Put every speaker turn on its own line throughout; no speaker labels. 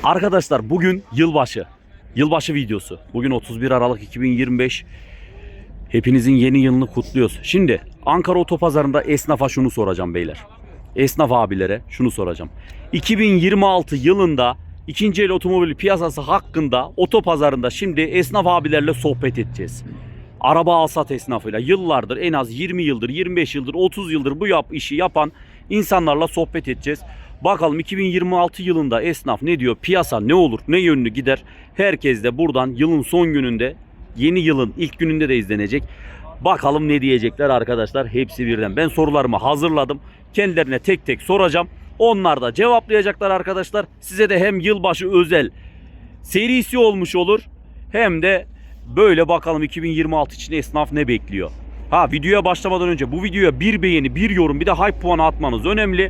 Arkadaşlar bugün yılbaşı. Yılbaşı videosu. Bugün 31 Aralık 2025. Hepinizin yeni yılını kutluyoruz. Şimdi Ankara Otopazarı'nda esnafa şunu soracağım beyler. Esnaf abilere şunu soracağım. 2026 yılında ikinci el otomobil piyasası hakkında otopazarında şimdi esnaf abilerle sohbet edeceğiz. Araba alsat esnafıyla yıllardır, en az 20 yıldır, 25 yıldır, 30 yıldır bu işi yapan insanlarla sohbet edeceğiz. Bakalım 2026 yılında esnaf ne diyor? Piyasa ne olur? Ne yönlü gider? Herkes de buradan yılın son gününde, yeni yılın ilk gününde de izlenecek. Bakalım ne diyecekler arkadaşlar, hepsi birden. Ben sorularımı hazırladım. Kendilerine tek tek soracağım. Onlar da cevaplayacaklar arkadaşlar. Size de hem yılbaşı özel serisi olmuş olur, hem de böyle bakalım 2026 için esnaf ne bekliyor. Ha, videoya başlamadan önce bu videoya bir beğeni, bir yorum, bir de hype puanı atmanız önemli.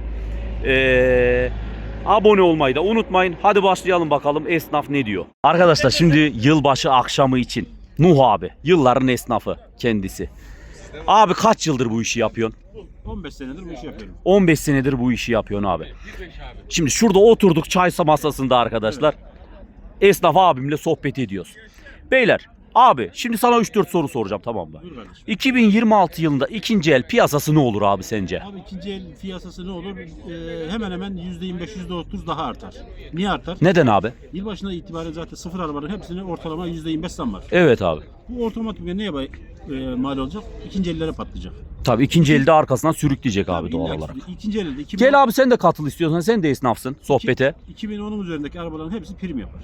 Abone olmayı da unutmayın. Hadi başlayalım bakalım esnaf ne diyor. Arkadaşlar şimdi yılbaşı akşamı için Nuh abi, yılların esnafı kendisi. Abi kaç yıldır bu işi yapıyorsun?
15 senedir bu işi yapıyorum.
15 senedir bu işi yapıyorsun abi. Şimdi şurada oturduk çay masasında arkadaşlar. Esnaf abimle sohbet ediyoruz. Beyler abi şimdi sana 3-4 soru soracağım, tamam mı? 2026 yılında ikinci el piyasası ne olur abi sence?
Abi ikinci el piyasası ne olur? Hemen hemen %25, %30 daha artar. Niye artar?
Neden abi?
Yılbaşına itibaren zaten sıfır arabaların hepsine ortalama %25 zam var.
Evet abi.
Bu otomatikman neye mal olacak? İkinci ellere patlayacak.
Tabii ikinci elde arkasından sürükleyecek abi doğal
İlla ki
olarak.
İkinci elde 2010,
Gel abi sen de katıl istiyorsan, sen de esnafsın sohbete.
2010'un üzerindeki arabaların hepsi prim yapar.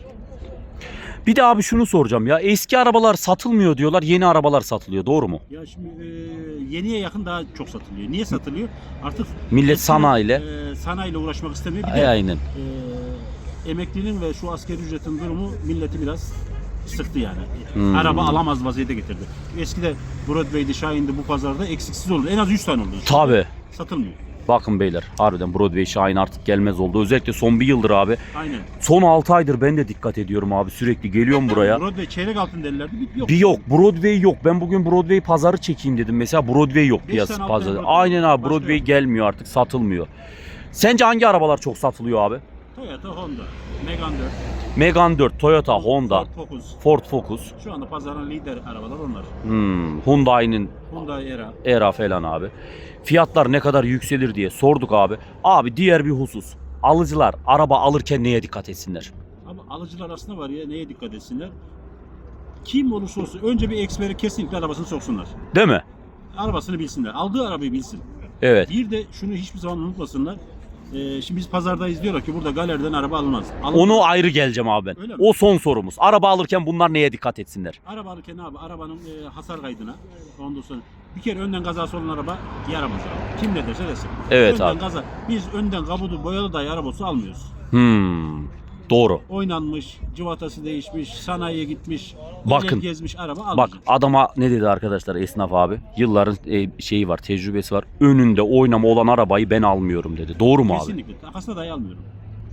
Bir de abi şunu soracağım ya, eski arabalar satılmıyor diyorlar, yeni arabalar satılıyor, doğru mu?
Ya şimdi yeniye yakın daha çok satılıyor. Niye satılıyor? Artık
Millet
eskiden,
sanayiyle.
Sanayiyle uğraşmak istemiyor. Bir de
Aynen.
emeklinin ve şu asgari ücretin durumu milleti biraz sıktı yani.
Hmm.
Araba alamaz vaziyete getirdi. Eskide Broadway'di, Shine'di, bu pazarda eksiksiz oldu. En az 100 tane oldu.
Tabii.
Satılmıyor.
Bakın beyler, harbiden Broadway Şahin artık gelmez oldu. Özellikle son bir yıldır abi.
Aynen.
Son 6 aydır ben de dikkat ediyorum abi. Sürekli geliyorum buraya.
Broadway çeyrek altın derlerdi. Yok.
Bir yok. Broadway yok. Ben bugün Broadway pazarı çekeyim dedim. Mesela Broadway yok
Beş
piyasa
tane, altı
pazarı.
tane Broadway.
Aynen abi,
Başka
Broadway
yok.
gelmiyor artık, satılmıyor. Sence hangi arabalar çok satılıyor abi?
Toyota, Honda, Megane 4,
Megane 4, Toyota, Honda,
Ford Focus.
Ford Focus.
Şu anda pazarın lider arabalar onlar.
Hyundai'nin
Hyundai Era.
Era falan abi. Fiyatlar ne kadar yükselir diye sorduk abi. Abi diğer bir husus. Alıcılar araba alırken neye dikkat etsinler?
Ama alıcılar aslında var ya, neye dikkat etsinler? Kim olursa olsun önce bir eksperi kesinlikle arabasını soksunlar.
Değil mi?
Arabasını bilsinler. Aldığı arabayı bilsin.
Evet.
Bir de şunu hiçbir zaman unutmasınlar. Şimdi biz pazardayız, diyorlar ki burada galeriden araba alınmaz.
Onu ayrı geleceğim abi ben.
Öyle mi?
O son sorumuz. Araba alırken bunlar neye dikkat etsinler?
Araba alırken abi arabanın hasar kaydına, ondan sonra bir kere önden kazası olan araba yaramaz abi. Kim ne derse desin.
Evet
önden
abi.
Biz önden kabudu boyalı dahi arabası almıyoruz.
Doğru.
Oynanmış, cıvatası değişmiş, sanayiye gitmiş,
Bakın.
gezmiş araba
Bak
almayacağız.
adama ne dedi arkadaşlar esnaf abi? Yılların şeyi var, tecrübesi var. Önünde oynama olan arabayı ben almıyorum dedi. Doğru mu abi?
Kesinlikle. Takasına dahi almıyorum.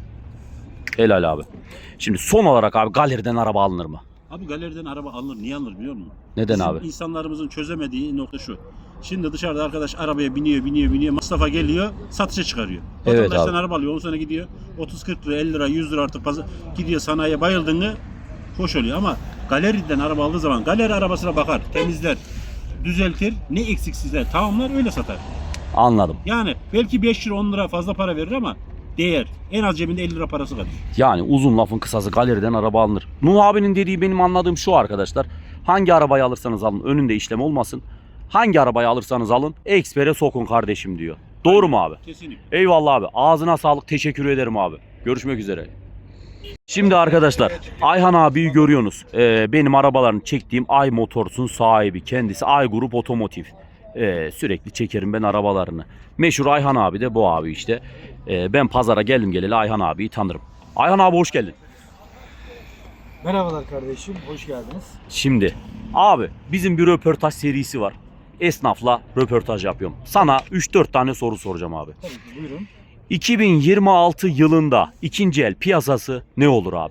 Helal abi. Şimdi son olarak abi, galeriden araba alınır mı?
Abi galeriden araba alınır. Niye alınır biliyor musun?
Neden
Bizim
abi?
insanlarımızın çözemediği nokta şu. Şimdi dışarıda arkadaş arabaya biniyor. Masrafa geliyor, satışa çıkarıyor.
Evet
Vatandaştan
abi.
araba alıyor. Ondan sonra gidiyor 30-40 lira, 50 lira, 100 lira artık gidiyor sanayiye, bayıldığını hoş oluyor. Ama galeriden araba aldığı zaman galeri arabasına bakar, temizler, düzeltir, ne eksiksizler tamamlar, öyle satar.
Anladım.
Yani belki 5 lira 10 lira fazla para verir ama değer. En az cebinde 50 lira parası kalır.
Yani uzun lafın kısası, galeriden araba alınır. Nuh abinin dediği benim anladığım şu arkadaşlar. Hangi arabayı alırsanız alın önünde işlem olmasın. Hangi arabayı alırsanız alın ekspere sokun kardeşim diyor. Doğru mu abi?
Kesinlikle.
Eyvallah abi. Ağzına sağlık. Teşekkür ederim abi. Görüşmek üzere. Şimdi arkadaşlar Ayhan abiyi görüyorsunuz. Benim arabalarını çektiğim Ay Motors'un sahibi kendisi. Ay Grup Otomotiv. Sürekli çekerim ben arabalarını. Meşhur Ayhan abi de bu abi işte. Ben pazara geldim geleli Ayhan abiyi tanırım. Ayhan abi hoş geldin.
Merhabalar kardeşim, hoş geldiniz.
Şimdi abi bizim bir röportaj serisi var. Esnafla röportaj yapıyorum. Sana 3-4 tane soru soracağım abi.
Tabii ki, buyurun.
2026 yılında ikinci el piyasası ne olur abi?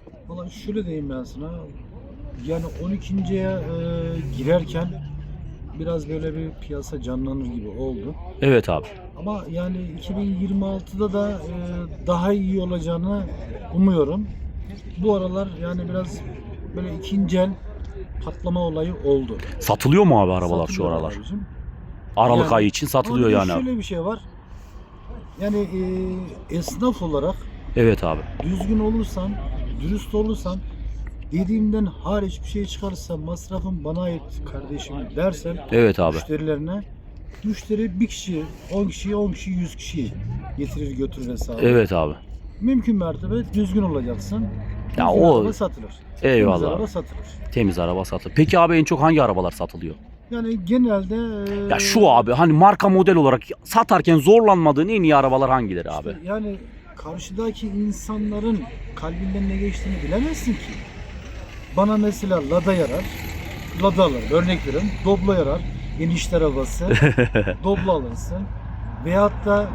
Valla şöyle diyeyim ben sana. Yani 12.'ye girerken biraz böyle bir piyasa canlanır gibi oldu.
Evet abi.
Ama yani 2026'da da daha iyi olacağını umuyorum. Bu aralar yani biraz böyle ikinci el patlama olayı oldu.
Satılıyor mu abi arabalar şu
Satılıyor
aralar?
abicim.
Aralık
Yani-
ayı için satılıyor
Ama bir de
yani abi.
şöyle bir şey var. Yani esnaf olarak
Evet abi.
düzgün olursan, dürüst olursan, dediğimden hariç bir şey çıkarsa masrafın bana ait kardeşim dersen
Evet abi.
müşterilerine, müşteri bir kişi, 10 kişi, 10 kişi, 100 kişi getirir götürür hesabı.
Evet abi.
Mümkün mertebe düzgün olacaksın.
Ya
Düzgün
o-
araba satılır.
Eyvallah
Temiz
abi.
araba satılır.
Temiz araba satılıyor. Peki abi en çok hangi arabalar satılıyor?
Yani genelde
Ya şu abi hani marka model olarak satarken zorlanmadığın en iyi arabalar hangileri abi?
işte yani karşıdaki insanların kalbinden ne geçtiğini bilemezsin ki. Bana mesela Lada yarar. Lada alır. Örnek veriyorum. Doblo yarar. Enişte arabası. Doblo alırsın. Veyahut da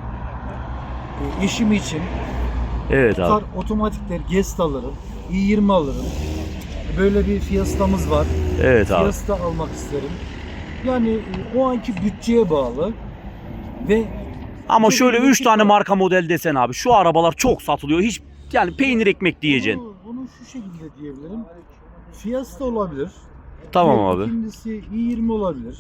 eşim için
Evet abi.
kar otomatikler Gest alırım. i20 alırım. Böyle bir Fiesta'mız var.
Evet abi.
Fiesta almak isterim. Yani o anki bütçeye bağlı ve
Ama
çok
şöyle
iyi
3 tane
var.
marka model desen abi şu arabalar çok satılıyor. Hiç yani peynir ekmek diyeceksin.
Bunu şu şekilde diyebilirim. Fiesta olabilir.
Tamam
Bir,
abi.
İkincisi i20 olabilir.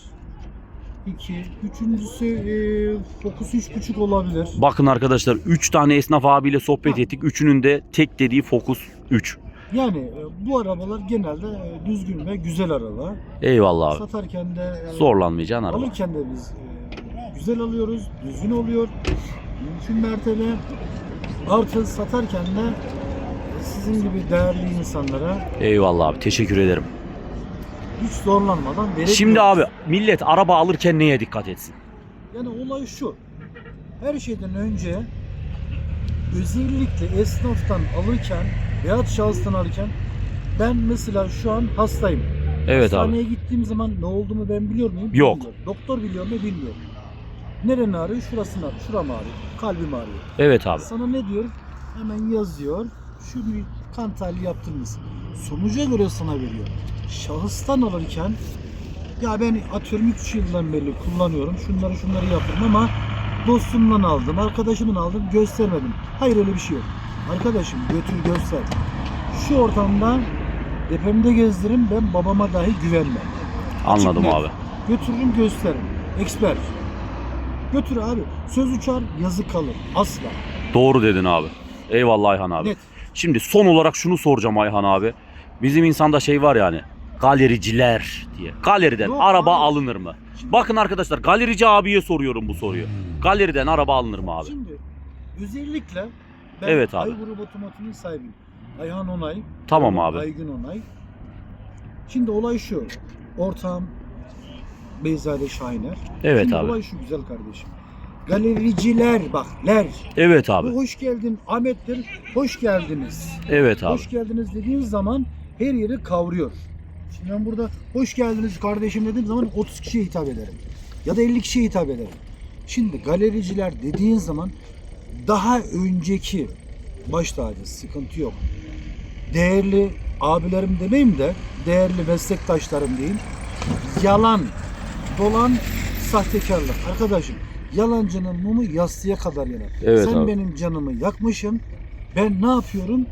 Üçüncüsü Focus 3.5 olabilir.
Bakın arkadaşlar 3 tane esnaf abiyle sohbet
Ha.
ettik. Üçünün de tek dediği Focus 3.
Yani bu arabalar genelde düzgün ve güzel araba.
Eyvallah abi.
Satarken de
Zorlanmayacaksın araba.
alırken de biz güzel alıyoruz, düzgün oluyor. Mümkün mertebe artı satarken de sizin gibi değerli insanlara
Eyvallah abi. Teşekkür ederim.
hiç zorlanmadan verebiliyoruz.
Şimdi abi millet araba alırken neye dikkat etsin?
Yani olay şu. Her şeyden önce özellikle esnaftan alırken veyahut şahıstan alırken ben mesela şu an hastayım.
Evet abi.
Hastaneye gittiğim zaman ne olduğumu ben biliyor muyum?
Yok.
Bilmiyorum. Doktor biliyor mu? Bilmiyor. Nereni ağrıyor? Şurasını ağrıyor. Şuram ağrıyor. Kalbim ağrıyor.
Evet abi.
Sana ne diyor? Hemen yazıyor. Şunu kan tahlili yaptırmışsın. Sonuca göre sana veriyor. Şahıstan alırken ya ben atıyorum 3 yıldan beri kullanıyorum. Şunları yaptım ama dostumdan aldım, arkadaşımdan aldım, göstermedim. Hayır öyle bir şey yok. Arkadaşım götür göster. Şu ortamda depremde gezdiririm, ben babama dahi güvenmem.
Anladım
Açık net.
abi.
Götürürüm gösteririm. Expert. Götür abi. Söz uçar yazı kalır. Asla.
Doğru dedin abi. Eyvallah Ayhan abi.
Net.
Şimdi son olarak şunu soracağım Ayhan abi. Bizim insanda şey var yani. Galericiler diye. Galeriden
Yok
araba
abi.
alınır mı? Bakın arkadaşlar galerici abiye soruyorum bu soruyu. Galeriden araba alınır mı abi?
Şimdi özellikle ben
Evet abi.
Ay Grup Otomotiv'in sahibiyim. Ayhan Onay.
Tamam
oğlum
abi.
Aygün Onay. Şimdi olay şu. Ortağım Beyzade Şahiner.
Evet
Şimdi
abi.
olay şu güzel kardeşim. Galericiler bak ler.
Evet abi.
Bu hoş geldin Ahmet'tir. Hoş geldiniz.
Evet abi.
Hoş geldiniz dediğiniz zaman her yeri kavruyor. Şimdi ben burada hoş geldiniz kardeşim dediğim zaman 30 kişiye hitap ederim. Ya da 50 kişiye hitap ederim. Şimdi galericiler dediğin zaman daha önceki baş tacı sıkıntı yok. Değerli abilerim demeyeyim de değerli meslektaşlarım diyeyim. Yalan, dolan, sahtekarlık. Arkadaşım yalancının mumu yastığa kadar yanar.
Evet
Sen
abi.
benim canımı yakmışsın. Ben ne yapıyorum?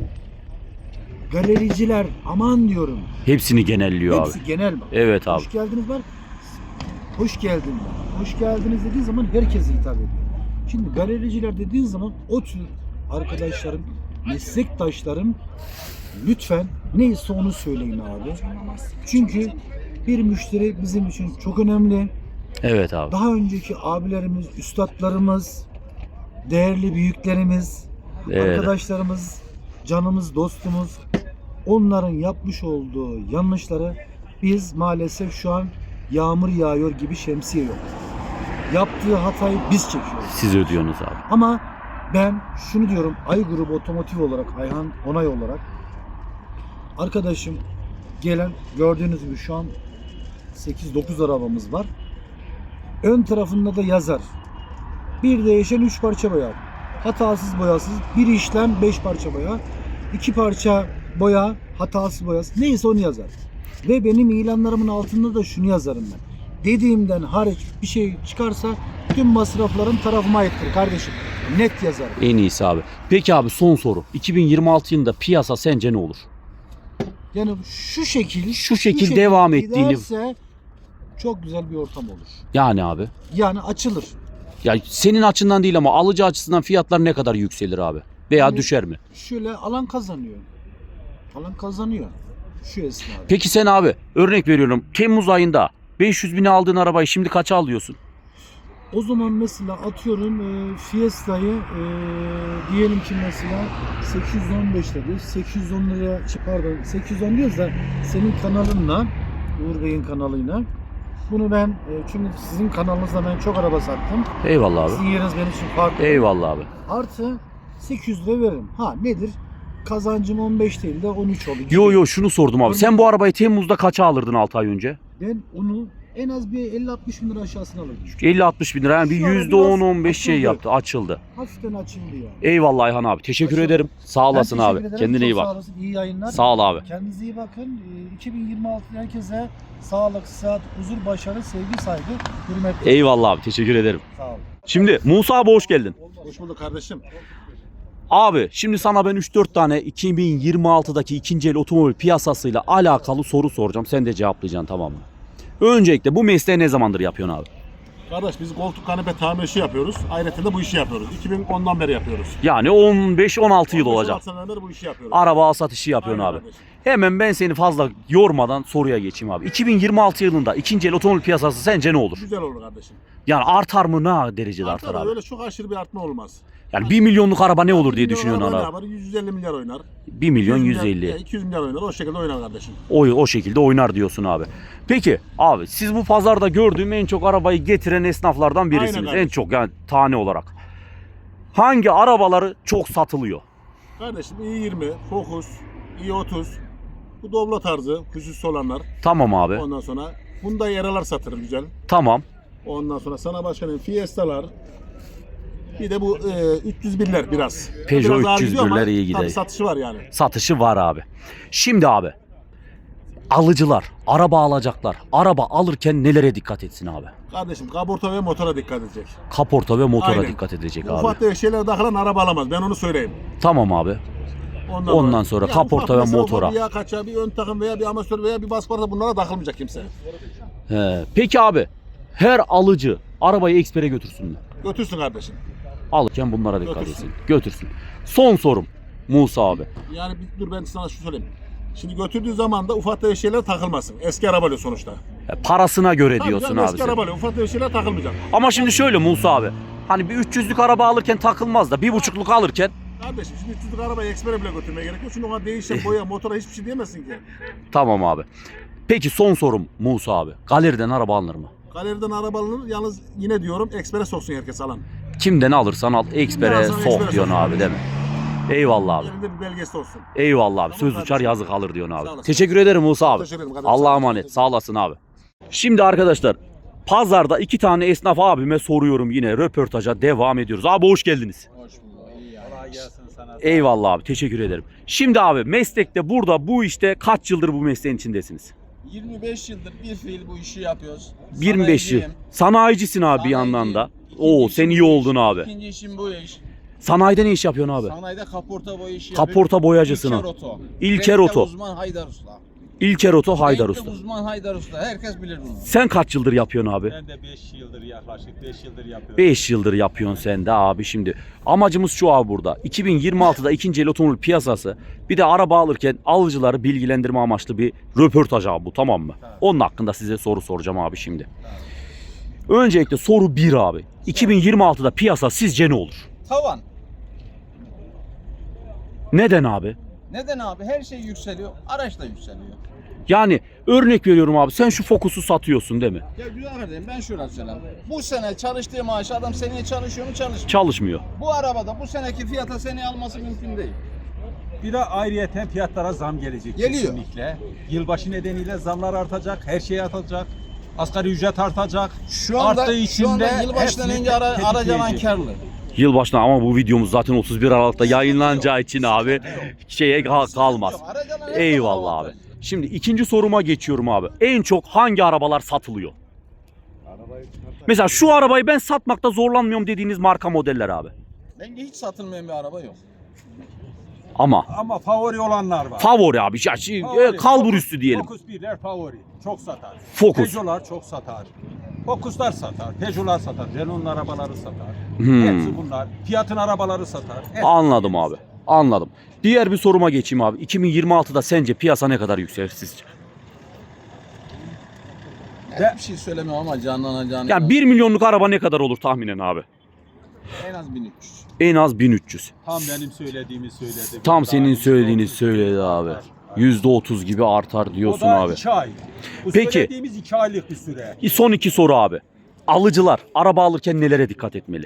Galericiler aman diyorum.
Hepsini genelliyor abi.
Hepsi genel bak.
Evet abi.
Hoş geldiniz var. Hoş geldin var. Hoş geldiniz dediğin zaman herkese hitap ediyor. Şimdi galericiler dediğin zaman o tür arkadaşlarım, meslektaşlarım lütfen neyse onu söyleyin abi. Çünkü bir müşteri bizim için çok önemli.
Evet abi.
Daha önceki abilerimiz, üstadlarımız, değerli büyüklerimiz,
Evet.
arkadaşlarımız, canımız, dostumuz, onların yapmış olduğu yanlışları biz maalesef şu an yağmur yağıyor gibi şemsiye yok. Yaptığı hatayı biz çekiyoruz.
Siz ödüyorsunuz abi.
Ama ben şunu diyorum, Ay Grubu Otomotiv olarak, Ayhan Onay olarak arkadaşım gelen gördüğünüz gibi şu an 8-9 arabamız var. Ön tarafında da yazar. Bir değişen 3 parça boya. Hatasız boyasız. Bir işlem 5 parça boya. 2 parça boya, hatasız boyasız. Neyse onu yazar. Ve benim ilanlarımın altında da şunu yazarım ben. dediğimden hariç bir şey çıkarsa tüm masrafların tarafıma aittir kardeşim. Net yazarım.
En iyisi abi. Peki abi son soru. 2026 yılında piyasa sence ne olur?
Yani şu şekil
devam ettiğini
giderse çok güzel bir ortam olur.
yani abi.
Yani açılır.
Ya senin açından değil ama alıcı açısından fiyatlar ne kadar yükselir abi? Veya
Yani
düşer mi?
Şöyle alan kazanıyor. Alan kazanıyor. Şu esnada.
Peki sen abi örnek veriyorum Temmuz ayında 500 bine aldığın arabayı şimdi kaça alıyorsun?
O zaman mesela atıyorum Fiesta'yı diyelim ki mesela 815 dedi. 810 liraya pardon 810 diyoruz da senin kanalınla Uğur Bey'in kanalıyla bunu ben çünkü sizin kanalınızda ben çok araba sattım.
Eyvallah abi.
Sizin yeriniz benim için farklı.
Eyvallah abi.
Artı 800 lira veririm. Ha nedir? Kazancım 15 değil de 13 olur.
Yo şunu sordum abi. Sen bu arabayı Temmuz'da kaça alırdın 6 ay önce?
Ben onu en az bir 50-60 bin lira aşağısına alırdım.
50-60 bin lira yani bir
Şu ara
%10-15
biraz
şey
açıldı.
yaptı, açıldı.
Hafiften açıldı yani.
Eyvallah Ayhan abi. Teşekkür
Açıldı.
ederim. Sağ olasın
Ben teşekkür
abi.
ederim.
Kendine
Çok
iyi bak.
Sağ olasın. İyi yayınlar.
Sağ ol abi.
Kendinize iyi bakın. 2026 herkese sağlık, sıhhat, huzur, başarı, sevgi, saygı, hürmet.
Eyvallah abi. Teşekkür ederim.
Sağ olun.
Şimdi Musa abi hoş geldin.
Hoş bulduk kardeşim.
Abi şimdi sana ben 3-4 tane 2026'daki ikinci el otomobil piyasasıyla alakalı soru soracağım. Sen de cevaplayacaksın, tamam mı? Öncelikle bu mesleği ne zamandır yapıyorsun abi?
Kardeş biz koltuk kanepe tamir işi yapıyoruz. Ayrıca de bu işi yapıyoruz. 2010'dan beri yapıyoruz.
Yani 15-16 yıl olacak.
16 seneden beri bu işi yapıyoruz.
Araba al satışı yapıyorsun
Aynen
abi.
kardeşim.
Hemen ben seni fazla yormadan soruya geçeyim abi. 2026 yılında ikinci el otomobil piyasası sence ne olur?
Güzel olur kardeşim.
Yani artar mı, ne derecede artar
Artar
abi?
öyle çok aşırı bir artma olmaz.
Yani 1 milyonluk araba ne olur diye
1 milyon
düşünüyorsun
araba
abi.
ne yapar? 150 milyar oynar.
1 milyon
200 milyar,
150.
200 milyar oynar. O şekilde oynar kardeşim.
O şekilde oynar diyorsun abi. Peki abi siz bu pazarda gördüğüm en çok arabayı getiren esnaflardan birisiniz.
Aynen
En
kardeşim.
çok yani tane olarak. Hangi arabaları çok satılıyor?
Kardeşim i20, Focus, i30, bu Doblo tarzı, hususi olanlar.
Tamam abi.
Ondan sonra Hyundai Eralar satılır güzel.
Tamam.
Ondan sonra sana başkanın Fiesta'lar. Bir de bu 301'ler biraz.
Peugeot
Biraz ağır gidiyor ama
301'ler iyi gidiyor.
tabii satışı var yani.
Satışı var abi. Şimdi abi alıcılar, araba alacaklar. Araba alırken nelere dikkat etsin abi?
Kardeşim kaporta ve motora dikkat edecek.
Kaporta ve motora
Aynen.
dikkat edecek
Bu
abi.
ufak tefek şeylere takılan araba alamaz. Ben onu söyleyeyim.
Tamam abi. Ondan sonra
Ya
kaporta
ufak
ve
mesela
motora.
Bir yağ kaçağı, bir ön takım veya bir amatör veya bir basparta bunlara takılmayacak kimse.
Peki abi her alıcı arabayı ekspere götürsün mü?
Götürsün kardeşim.
Alırken bunlara dikkat
Götürsün.
etsin. Götürsün. Son sorum Musa abi.
Yani dur ben sana şu söyleyeyim. Şimdi götürdüğü zaman da ufak tefek şeyler takılmasın. Eski arabayla sonuçta.
Parasına göre
Tabii
diyorsun
canım,
abi
eski
sen.
arabayla ufak tefek şeyler takılmayacak.
Ama şimdi şöyle Musa abi. Hani bir 300'lük araba alırken takılmaz da 1.5'luk alırken
Kardeşim şimdi 300'lük arabayı ekspere bile götürmeye gerek yok. Çünkü ona değişen boya, motora hiçbir şey diyemezsin ki.
tamam abi. Peki son sorum Musa abi. Galeriden araba alınır mı?
Galeriden araba alınır. Yalnız yine diyorum ekspere soksun herkes alan.
Kimden alırsan al ekspere
alırsan
sok
ekspere
diyorsun
sok.
abi değil mi? Eyvallah abi.
Elinde bir belgesi olsun.
Eyvallah abi.
Tamam
Söz
kardeşim.
uçar yazık alır diyorsun
Sağ
abi.
olasın.
Teşekkür ederim Musa abi.
Teşekkür ederim kardeşim.
Allah'a
Sağ
emanet.
olasın.
Sağ olasın abi. Şimdi arkadaşlar pazarda 2 tane esnaf abime soruyorum, yine röportaja devam ediyoruz. Abi hoş geldiniz.
Hoş bulduk. İyi yani. Kolay gelsin sana.
Eyvallah abi, teşekkür ederim. Şimdi abi meslekte burada bu işte kaç yıldır bu mesleğin içindesiniz?
25 yıldır bir fiil bu işi yapıyoruz.
25 yıl.
Sanayiciyim.
Sanayicisin abi bir yandan da.
İkinci
Oo sen
işim
iyi
bu
oldun
iş.
abi.
İkinci işim bu iş.
Sanayide ne iş yapıyorsun abi?
Sanayide kaporta boya işi
Kaporta boyacısına.
İlker Oto.
İlker
Renkte
Oto.
uzman Haydar Usta.
İlker Oto Haydar
Renkte
Usta.
uzman Haydar Usta. Herkes bilir bunu.
Sen kaç yıldır yapıyorsun abi?
Ben de 5 yıldır yaklaşık 5 yıldır yapıyorum.
5 yıldır yapıyorsun sen de abi şimdi. Amacımız şu abi burada. 2026'da ikinci el otomobil piyasası. Bir de araba alırken alıcıları bilgilendirme amaçlı bir röportaj abi bu, tamam mı? Onun hakkında size soru soracağım abi şimdi. Öncelikle soru 1 abi. 2026'da piyasa sizce ne olur?
Tavan.
Neden abi?
Neden abi? Her şey yükseliyor. Araç da yükseliyor.
Yani örnek veriyorum abi, sen şu Focus'u satıyorsun değil mi?
Ya güzel kardeşim, ben şöyle söyleyeyim. Bu sene çalıştığı maaşı adam seneye çalışıyor mu, çalışmıyor.
Çalışmıyor.
Bu arabada bu seneki fiyata seneye alması mümkün değil.
Bir de ayrıyeten fiyatlara zam gelecek
Geliyor.
kesinlikle. Yılbaşı nedeniyle zamlar artacak, her şey artacak. Asgari ücret artacak.
Şu anda,
Arttığı
şu
için
anda
de
yılbaşından
hepsini
önce aracı alan
tetikleyecek.
karlı.
Yılbaşına, ama bu videomuz zaten 31 Aralık'ta yayınlanacağı için abi şeye kalmaz.
Yok, aracı alan her
Eyvallah
zaman
abi.
avantajlı.
Şimdi ikinci soruma geçiyorum abi. En çok hangi arabalar satılıyor? Mesela şu arabayı ben satmakta zorlanmıyorum dediğiniz marka modeller abi.
Bence hiç satılmayan bir araba yok.
Ama favori olanlar var.
Favori abi.
Favori.
Kalbur üstü diyelim.
Focus 1'ler favori. Çok satar.
Focus.
Peugeot'lar çok satar. Focus'lar satar. Peugeot'lar satar. Renault'un arabaları satar. Hepsi bunlar. Fiat'ın arabaları satar. Hepsi.
Anladım abi. Anladım. Diğer bir soruma geçeyim abi. 2026'da sence piyasa ne kadar yükselir sizce?
Ben bir şey söylemiyorum ama canlanacağını.
Yani 1 milyonluk araba ne kadar olur tahminen abi?
En az 1300.
En az 1300.
Tam benim söylediğimi söyledi.
Tam
Daha
senin
%30
söylediğini söyledi abi.
artar.
%30 gibi artar diyorsun
O da
abi.
2 ay. Bu
Peki.
söylediğimiz 2 aylık bir süre.
Son iki soru abi. Alıcılar araba alırken nelere dikkat etmeli?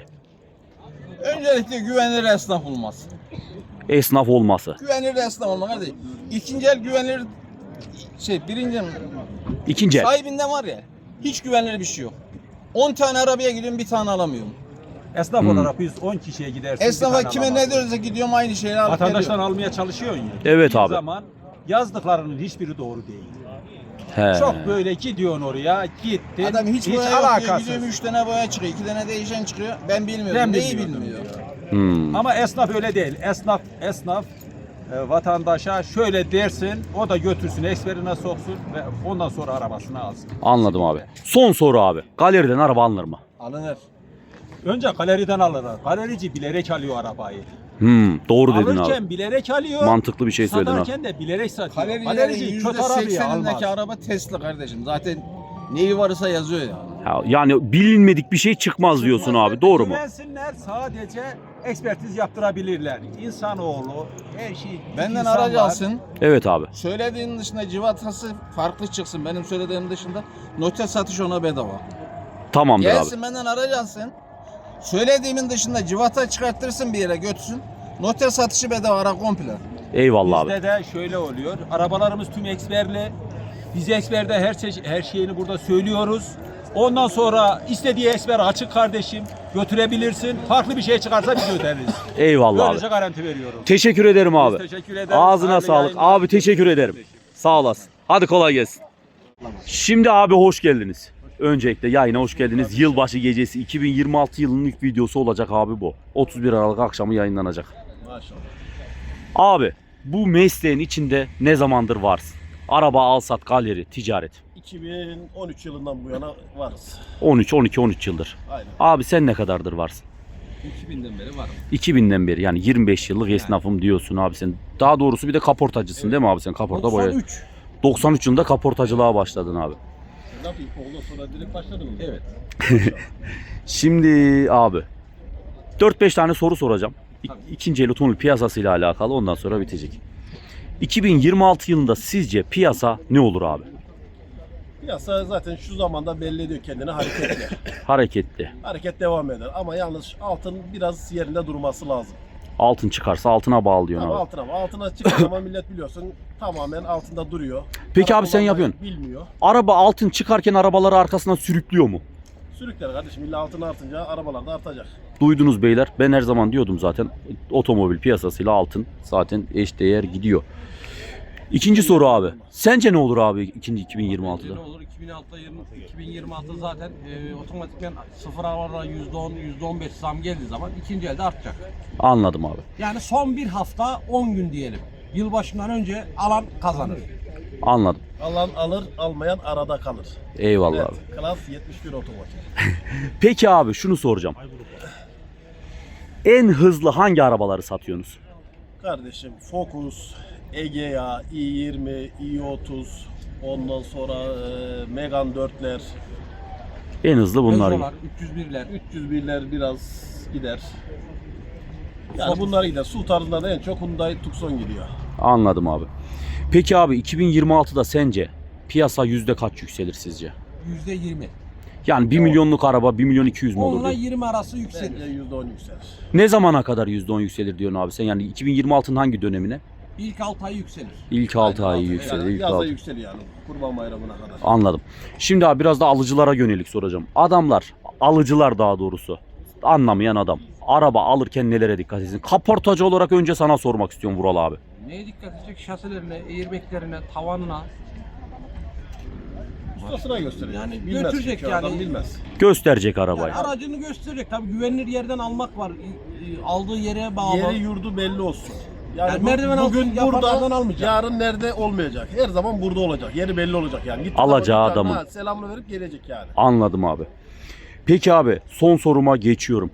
Öncelikle güvenilir esnaf olması.
Esnaf olması.
Güvenilir esnaf olmak kardeşim. İkinci el güvenilir birinci el
İkinci el.
sahibinden var ya hiç güvenilir bir şey yok. 10 tane arabaya gidiyorum bir tane alamıyorum.
Esnaf olarak biz 10 kişiye gidersin.
Esnafa
bir tane
kime ne
alamazsın.
diyorsa gidiyorum aynı şeyleri alıp
Vatandaştan
geliyorum.
almaya çalışıyorsun ya.
Evet
Bir
abi.
zaman yazdıklarının hiçbiri doğru değil.
He.
Çok böyle gidiyorsun oraya, gittin.
Adam hiç boya yok diyor,
alakasız.
gidiyorum 3 tane boya çıkıyor, 2 tane değişen çıkıyor. Ben bilmiyorum.
Ben
Neyi
bilmiyordum
bilmiyor?
Hmm.
Ama esnaf öyle değil. Esnaf vatandaşa şöyle dersin, o da götürsün, eksperine soksun ve ondan sonra arabasını alsın.
Anladım abi. Son soru abi. Galeriden araba alınır mı?
Alınır.
Önce galeriden alırlar. Galerici bilerek alıyor arabayı.
Doğru dedin
Alırken
abi.
bilerek alıyor.
Mantıklı bir şey söyledin abi.
Satarken de bilerek satıyor.
Galerilerin
Galerici kötü arabayı almaz.
%80'indeki araba Tesla kardeşim. Zaten neyi varsa yazıyor ya.
Yani bilinmedik bir şey çıkmaz diyorsun abi. Doğru mu?
Güvensinler, sadece ekspertiz yaptırabilirler. İnsanoğlu her şey.
Benden
insan
aracı
var.
alsın.
Evet abi.
Söylediğin dışında civatası farklı çıksın. Benim söylediğim dışında noter satış ona bedava.
Tamamdır abi.
Gelsin benden aracı alsın. Söylediğimin dışında civata çıkarttırsın bir yere götürsün. Noter satışı bedava ara komple.
Eyvallah abi.
Bizde de şöyle oluyor. Arabalarımız tüm eksperli. Biz eksperde her şeyini burada söylüyoruz. Ondan sonra istediği eksper açık kardeşim. Götürebilirsin. Farklı bir şey çıkarsa biz öderiz.
Eyvallah
Böylece
abi.
garanti veriyoruz.
Teşekkür ederim abi.
Biz teşekkür ederiz.
Ağzına
Hayırlı
sağlık.
yayınlar.
Abi teşekkür ederim. Sağ olasın. Hadi kolay gelsin. Şimdi abi hoş geldiniz. Öncelikle yayına hoş geldiniz. Yılbaşı gecesi 2026 yılının ilk videosu olacak abi bu. 31 Aralık akşamı yayınlanacak.
Maşallah.
Abi bu mesleğin içinde ne zamandır varsın? Araba, alsat, galeri, ticaret.
2013 yılından bu yana varız.
13 yıldır.
Aynen.
Abi sen ne kadardır varsın?
2000'den beri varım.
2000'den beri yani 25 yıllık esnafım diyorsun abi sen. Daha doğrusu bir de kaportacısın değil mi abi sen? Kaporta boya. 93 yılında kaportacılığa başladın abi.
Ne yapayım? Ondan sonra direkt başladın mı?
Evet.
Şimdi abi 4-5 tane soru soracağım. İkinci el otomobil piyasasıyla alakalı, ondan sonra bitecek. 2026 yılında sizce piyasa ne olur abi?
Piyasa zaten şu zamanda belli ediyor kendini, hareketli.
Hareketli.
Hareket devam eder ama yalnız altın biraz yerinde durması lazım.
Altın çıkarsa altına bağlıyorsun
Ama
abi.
altına çıktığı zaman millet biliyorsun tamamen altında duruyor.
Peki
Araba
abi sen
kullanmayı
yapıyorsun.
Bilmiyor.
Araba altın çıkarken arabaları arkasından sürüklüyor mu?
Sürükler kardeşim, illa altın artınca arabalar da artacak.
Duydunuz beyler. Ben her zaman diyordum zaten otomobil piyasasıyla altın zaten eşdeğer gidiyor. İkinci soru abi. Sence ne olur abi 2026'da?
Ne olur? 2026 zaten otomatikman sıfır arabalara %10, %15 zam geldiği zaman ikinci elde artacak.
Anladım abi.
Yani son bir hafta 10 gün diyelim. Yılbaşından önce alan kazanır.
Anladım.
Alan alır, almayan arada kalır.
Eyvallah
Evet,
abi.
Klas 71 otomobil.
Peki abi şunu soracağım. En hızlı hangi arabaları satıyorsunuz?
Kardeşim Focus, Egea, i20, i30, ondan sonra Megane 4'ler,
En hızlı bunlar.
Peugeot'lar, 301'ler,
301'ler biraz gider. Yani bunlar gider. Su tarzında da en çok Hyundai Tucson gidiyor.
Anladım abi. Peki abi 2026'da sence piyasa yüzde kaç yükselir sizce?
%20.
Yani 1 milyonluk araba 1 milyon 200 mü
10
olur
ile
diyor.
20 arası yükselir.
Bence %10 yükselir.
Ne zamana kadar %10 yükselir diyorsun abi sen? Yani 2026'nın hangi dönemine?
İlk 6 ay yükselir.
İlk 6 ayı
Yani
yükselir. İlk
yazda
6.
yükseliyor yani. Kurban Bayramı'na kadar.
Anladım. Şimdi abi biraz da alıcılara yönelik soracağım. Adamlar, alıcılar daha doğrusu, anlamayan adam. Araba alırken nelere dikkat etsin? Kaportacı olarak önce sana sormak istiyorum Vural abi.
Neye dikkat edecek? Şasilerine, airbaglerine, tavanına.
Ustasına gösterecek.
Yani
Bilmez
götürecek
çünkü adam
yani.
bilmez.
Gösterecek arabayı.
Yani aracını gösterecek. Tabii güvenilir yerden almak var. Aldığı yere bağlı.
Yeri yurdu belli olsun.
Yani merdiven altı
bugün
yapanlardan
burada,
almayacak.
yarın nerede olmayacak. Her zaman burada olacak. Yeri belli olacak yani. Gitti
Alacağı
adam
adamın.
dükkanına, selamını verip gelecek yani.
Anladım abi. Peki abi son soruma geçiyorum.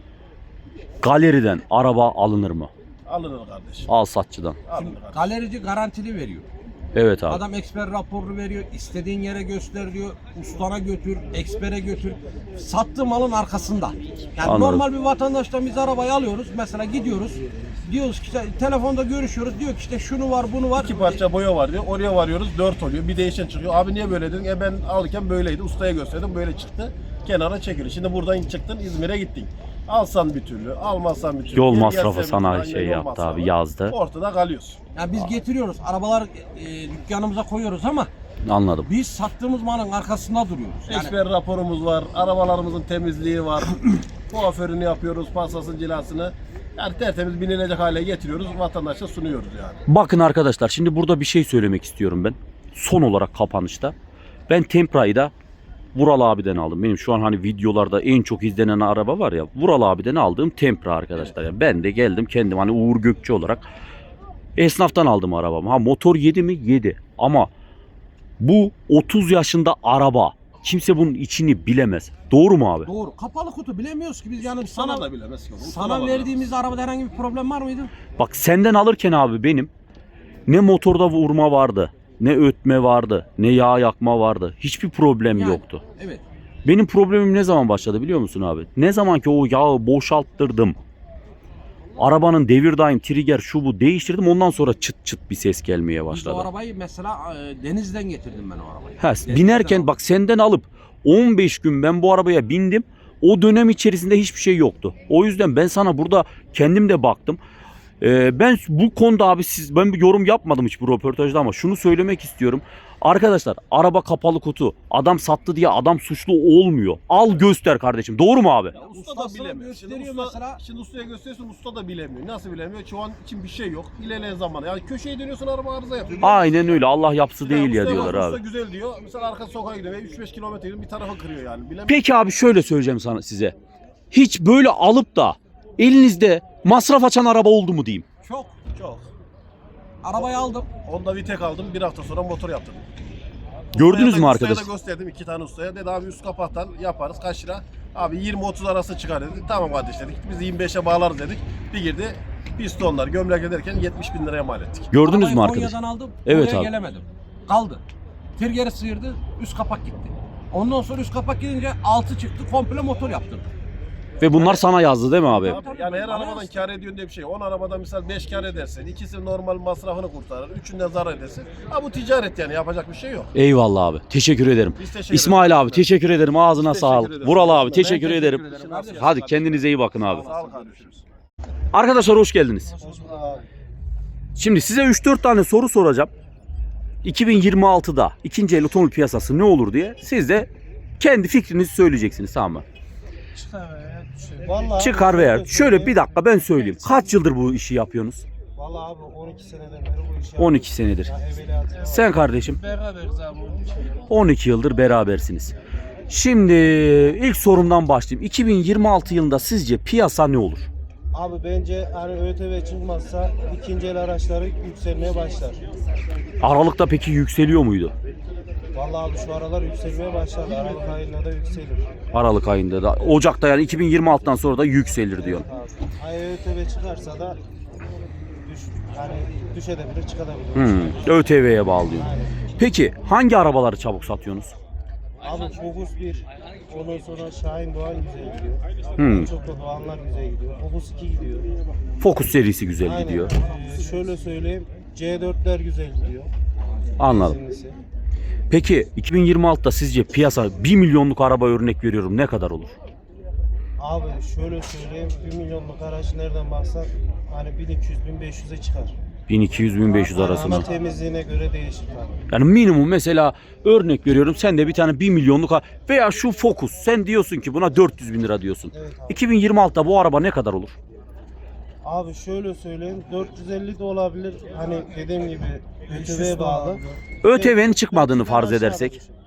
Galeriden araba alınır mı?
Alınır kardeşim.
Al satçıdan.
Alınır kardeşim.
Galerici garantili veriyor.
Evet abi.
Adam eksper raporu veriyor. İstediğin yere göster diyor. Ustana götür, ekspere götür. Sattığı malın arkasında. Yani
Anladım.
normal bir vatandaştan biz arabayı alıyoruz. Mesela gidiyoruz. Diyoruz ki işte, telefonda görüşüyoruz. Diyor ki işte şunu var, bunu var.
2 parça boya var diyor. Oraya varıyoruz 4 oluyor. Bir değişen çıkıyor. Abi niye böyle dedin? Ben alırken böyleydi. Ustaya gösterdim böyle çıktı. Kenara çekiliyor. Şimdi buradan çıktın İzmir'e gittin. Alsan bir türlü, almazsan bir türlü.
Yol
Geri
masrafı
gelse bir
sana
türlü,
şey
aynen yol
yaptı
masrafı.
abi, yazdı.
Ortada kalıyorsun.
Yani biz getiriyoruz. Arabalar dükkanımıza koyuyoruz ama
Anladım.
biz sattığımız malın arkasında duruyoruz. Yani
Eksper raporumuz var. Arabalarımızın temizliği var. Kuaförünü yapıyoruz. Pasasın cilasını. Yani tertemiz binilecek hale getiriyoruz. Vatandaşa sunuyoruz yani.
Bakın arkadaşlar, şimdi burada bir şey söylemek istiyorum ben. Son olarak kapanışta. Ben Tempra'yı da Vural abiden aldım. Benim şu an hani videolarda en çok izlenen araba var ya. Vural abiden aldığım Tempra arkadaşlar. Yani ben de geldim kendim hani Uğur Gökçe olarak esnaftan aldım arabamı. Ha motor yedi mi? Yedi. Ama bu 30 yaşında araba. Kimse bunun içini bilemez. Doğru mu abi?
doğru. Kapalı kutu bilemiyoruz ki biz yani
Sana da bilemez ki.
sana verdiğimiz arabada herhangi bir problem var mıydı?
Bak senden alırken abi benim ne motorda vurma vardı, ne ötme vardı, ne yağ yakma vardı. Hiçbir problem
Yani,
yoktu.
Evet.
Benim problemim ne zaman başladı biliyor musun abi? Ne zaman ki o yağı boşalttırdım. Arabanın devir daim, trigger, şu bu değiştirdim. Ondan sonra çıt çıt bir ses gelmeye
Biz de
başladı.
o arabayı mesela denizden getirdim ben o arabayı.
Ha,
Denizden
binerken
aldım.
bak senden alıp 15 gün ben bu arabaya bindim. O dönem içerisinde hiçbir şey yoktu. O yüzden ben sana burada kendim de baktım. Ben bu konuda abi ben bir yorum yapmadım hiç bu röportajda ama şunu söylemek istiyorum. Arkadaşlar araba kapalı kutu. Adam sattı diye adam suçlu olmuyor. Al göster kardeşim. Doğru mu abi?
Ya usta da
Ustasına
bilemiyor. Şimdi,
gösteriyor mesela.
şimdi ustaya gösteriyorsun usta da bilemiyor. Nasıl bilemiyor? Şu an için bir şey yok. İlerleyen zaman. Yani köşeye dönüyorsun araba arıza yapıyor.
Aynen öyle. Allah yapsı
Ya
değil ya
ustaya
diyorlar
bak,
abi.
Usta güzel diyor. Mesela arka sokağa gidiyor. 3-5 kilometre gidiyor. Bir tarafa kırıyor yani. Bilemiyor.
Peki abi şöyle söyleyeceğim sana size. Hiç böyle alıp da elinizde masraf açan araba oldu mu diyeyim.
Çok.
Çok.
Arabayı aldım.
Honda Vitek aldım. Bir hafta sonra motor yaptırdım.
Gördünüz mü
Ustaya
arkadaş?
da gösterdim 2 tane ustaya. Dedi abi üst kapaktan yaparız. Kaç lira? Abi 20-30 arası çıkar dedi. Tamam kardeş dedik. Biz 25'e bağlarız dedik. Bir girdi. Pistonlar gömlek ederken 70 bin liraya mal ettik.
Gördünüz
Arabayı
mü arkadaş?
Konya'dan aldım.
Evet
Buraya
abi.
gelemedim. Kaldı. Trigger'i sıyırdı. Üst kapak gitti. Ondan sonra üst kapak gidince altı çıktı. Komple motor yaptırdım.
Ve bunlar sana yazdı değil mi abi?
Yani her
Bana
arabadan
yazdı.
kar ediyorsun diye bir şey. 10 arabadan misal 5 kar edersin. İkisi normal masrafını kurtarır. Üçünden zarar edersin. Ha bu ticaret yani yapacak bir şey yok.
Eyvallah abi. Teşekkür ederim.
Biz teşekkür
İsmail
ederiz.
abi teşekkür ederim. Ağzına
Teşekkür
sağlık.
ederiz.
Vural abi
Ben
teşekkür ederim.
kardeşim.
Hadi kendinize iyi bakın abi.
Sağ ol kardeşim.
Arkadaşlar hoş geldiniz. Şimdi size 3-4 tane soru soracağım. 2026'da ikinci el otomobil piyasası ne olur diye siz de kendi fikrinizi söyleyeceksiniz, tamam mı?
Vallahi
Çıkar veya şöyle bir dakika ben söyleyeyim. Kaç yıldır bu işi yapıyorsunuz?
Vallahi abi 12 seneden beri bu işi
12 senedir.
evveliyatı.
Sen kardeşim
Beraberiz abi
12 yıldır berabersiniz. Şimdi ilk sorumdan başlayayım. 2026 yılında sizce piyasa ne olur?
Abi bence hani ÖTV çıkmazsa ikinci el araçları yükselmeye başlar.
Aralıkta peki yükseliyor muydu?
Vallahi abi şu aralar yükselmeye başladı. Aralık ayında da yükselir.
Aralık ayında da. Ocak'ta yani 2026'dan sonra da yükselir diyor.
Abi. Ay ÖTV çıkarsa da hani düşebilir, çıkabilir.
ÖTV'ye bağlı diyor.
Aynen.
Peki hangi arabaları çabuk satıyorsunuz?
Abi Focus 1, ondan sonra Şahin Doğan güzel gidiyor.
Hmm.
Çok da Doğanlar güzel gidiyor. Focus 2 gidiyor.
Focus serisi güzel
Aynen.
gidiyor.
Şöyle söyleyeyim, C4'ler güzel gidiyor.
Anladım.
Benzinlisi.
Peki 2026'da sizce piyasa 1 milyonluk araba örnek veriyorum ne kadar olur?
Abi şöyle söyleyeyim, 1 milyonluk araç nereden baksan hani 1200-1500'e çıkar.
1200-1500 arasında.
Ama temizliğine göre değişir tabii.
Yani minimum mesela örnek veriyorum sen de bir tane 1 milyonluk veya şu Focus sen diyorsun ki buna 400 bin lira diyorsun.
Evet abi.
2026'da bu araba ne kadar olur?
Abi şöyle söyleyeyim, 450 de olabilir. Hani dediğim gibi ÖTV'ye bağlı.
ÖTV'nin çıkmadığını farz edersek.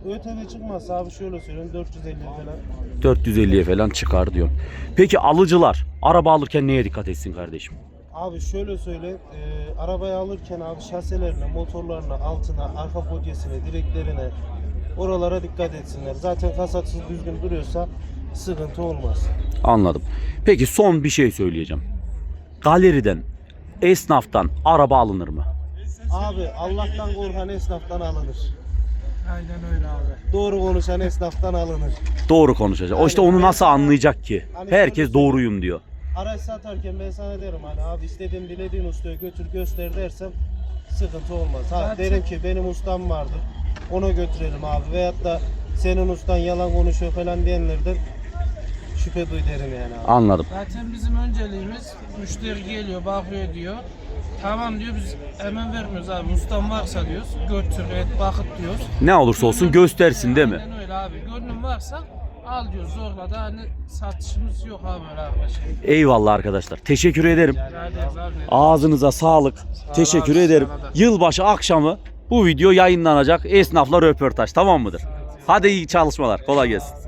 ÖTV çıkmazsa abi şöyle söyleyeyim 450 falan.
450'ye falan çıkar diyorum. Peki alıcılar araba alırken neye dikkat etsin kardeşim?
Abi şöyle söyleyeyim, arabayı alırken abi şaselerine, motorlarına, altına, arka podyesine, direklerine, oralara dikkat etsinler. Zaten kasatsız düzgün duruyorsa sıkıntı olmaz.
Anladım. Peki son bir şey söyleyeceğim. Galeriden, esnaftan araba alınır mı?
Abi Allah'tan korkan esnaftan alınır.
Aynen öyle abi.
Doğru konuşan esnaftan alınır.
Doğru konuşacak. O işte onu nasıl anlayacak ki? Herkes doğruyum diyor.
Araç satarken ben sana derim hani abi istediğin dilediğin ustaya götür göster dersem sıkıntı olmaz. Ha, derim ki benim ustam vardır ona götürelim abi veyahut da senin ustan yalan konuşuyor falan diyenlerden şüphe duy derim yani abi.
Anladım.
Zaten bizim önceliğimiz müşteri geliyor, bakıyor diyor. Tamam diyor biz hemen vermiyoruz abi. Ustam varsa diyoruz. Götür, et, bakıt diyoruz.
Ne olursa olsun göstersin değil mi?
Aynen öyle abi. Gönlün varsa al diyoruz. Zorla da hani satışımız yok abi öyle arkadaşlar.
Eyvallah arkadaşlar. Teşekkür ederim.
Rica ederiz abi.
Ağzınıza sağlık. Teşekkür
abi,
ederim.
sana da.
Yılbaşı akşamı bu video yayınlanacak. Esnafla röportaj, tamam mıdır? Hadi iyi çalışmalar. Kolay gelsin.